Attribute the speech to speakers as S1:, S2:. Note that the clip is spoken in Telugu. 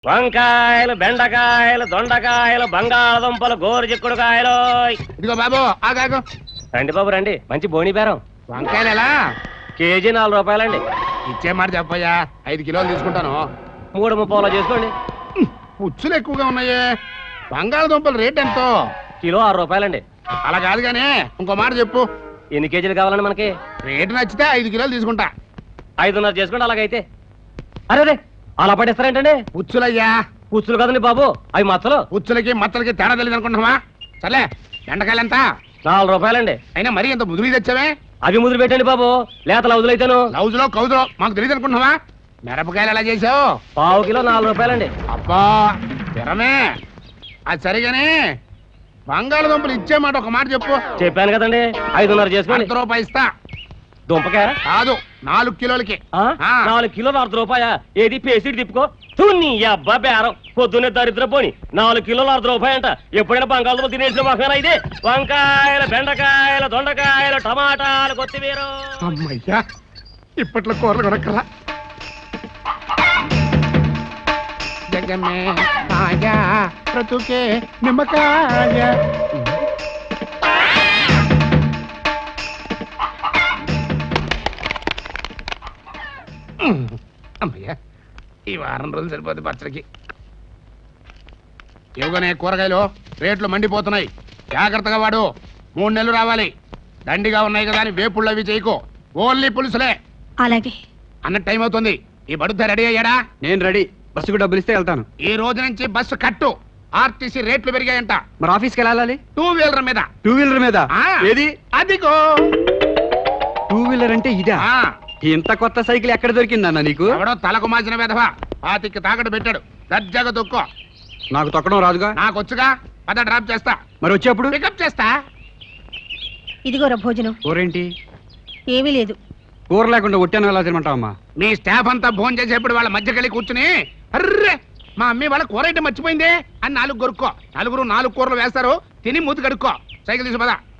S1: వంకాయలు, బెండకాయలు, దొండకాయలు, బంగాళదుంపలు, గోరుచిక్కుడుకాయలు.
S2: ఇదిగో బాబు ఆగాగు.
S1: రండి బాబు రండి, మంచి బోని బేరం.
S2: వంకాయలు ఎలా?
S1: కేజీ 4 రూపాయలండి.
S2: ఇచ్చే మాట చెప్పయ్యా, 5 కిలోలు తీసుకుంటాను.
S1: 3.30 చేసుకోండి.
S2: పుచ్చులు ఎక్కువగా ఉన్నాయే. బంగాళదుంపల రేట్ ఎంతో?
S1: కిలో 6 రూపాయలండి.
S2: అలా కాదు గానీ ఇంకో మాట చెప్పు.
S1: ఎన్ని కేజీలు కావాలండి మనకి?
S2: రేటు నచ్చితే 5 కిలోలు తీసుకుంటా.
S1: 5.5 చేసుకోండి. అలాగైతే అరే అలా పడేస్తారేంటండి?
S2: పుచ్చులయ్యా.
S1: పుచ్చులు కదండి బాబు, అవి మచ్చలు.
S2: పుచ్చులకి మచ్చలకి తేడా తెలియదు అనుకుంటున్నావా? సర్లే, బెండకాయలు ఎంత?
S1: 4 రూపాయలండి.
S2: అయినా మరీ ఎంత ముదురు తెచ్చావే?
S1: అవి ముదురు పెట్టండి బాబు, లేత లౌజులైతేను.
S2: లౌజులో కౌజులో మాకు తెలియదు అనుకుంటున్నావా? మిరపకాయలు ఎలా చేసావు?
S1: పావు కిలో 4 రూపాయలండి.
S2: అబ్బా తిరమే. అది సరిగానే బంగాళదుంపలు ఇచ్చే మాట ఒక మాట చెప్పు.
S1: చెప్పాను కదండి, 5.5 చేసుకోండి.
S2: ₹1 ఇస్తా.
S1: దుంపకాయ
S2: కాదు, 4 కిలోలకి.
S1: 4 కిలోలు ₹1. ఏది పేసిడి తిప్పుకో. తున్ని అబ్బా బేరం, పొద్దున్నే దరిద్ర పోని. 4 కిలోలు ₹1 అంట. ఎప్పుడైనా బంగాళదుంపలు తినేసిన మొహమేనా ఇది? వంకాయలు, బెండకాయలు, దొండకాయలు, టమాటాలు, కొత్తిమీర.
S2: అమ్మయ్యా, ఇప్పట్లో కూరలు కొనక్కలా. జగమే ఆయా బ్రతుకే నిమ్మకాయ. అమ్మయ్యా, ఈ వారం రోజులు సరిపోతుంది పచ్చడికి. ఇవ్వగానే కూరగాయలు రేట్లు మండిపోతున్నాయి. జాగ్రత్తగా వాడు. 3 నెలలు రావాలి. దండిగా ఉన్నాయి కదా అని వేపుళ్ళు అవి చేయకో. ఓన్లీ పులుసులే.
S3: అలాగే
S2: అన్న టైం అవుతుంది. ఈ బడుత రెడీ అయ్యాడా?
S4: నేను రెడీ. బస్సుకు డబ్బులు ఇస్తే వెళ్తాను.
S2: ఈ రోజు నుంచి బస్సు కట్టు. ఆర్టీసీ రేట్లు పెరిగాయంట.
S4: మరి ఆఫీస్కి వెళ్ళాలి?
S2: 2 వీలర్ మీద.
S4: 2 వీలర్ మీద?
S2: ఆ,
S4: ఏది?
S2: అదిగో
S4: 2 వీలర్ అంటే ఇదా?
S2: ఆ,
S4: ఇంత కొత్త సైకిల్ ఎక్కడ దొరికిందన్న నీకు?
S2: ఎవడో తలకు మాసిన వెధవా 25కి తాకట్టు పెట్టాడు. దర్జాగా తొక్కో.
S4: నాకు తొక్కడం రాదుగా.
S2: నాకు వచ్చుగా. పద డ్రాప్ చేస్తా.
S4: మరి వచ్చేప్పుడు
S2: పికప్ చేస్తా.
S3: ఇదిగోరా భోజనం.
S4: కూరేంటి?
S3: ఏమీ లేదు.
S4: కూర లేకుండా ఒట్టాను ఎలా తినమంటావమ్మా?
S2: మీ స్టాఫ్ అంతా భోజనం చేసేప్పుడు వాళ్ళ మధ్యకెళ్ళి కూర్చుని అర్రే మా అమ్మి వాళ్ళ కూర అయితే మర్చిపోయిందే అని 4 కొరుక్కో. 4 కూరలు వేస్తారు. తిని మూతి కడుక్కో. సైకిల్ తీసి పద.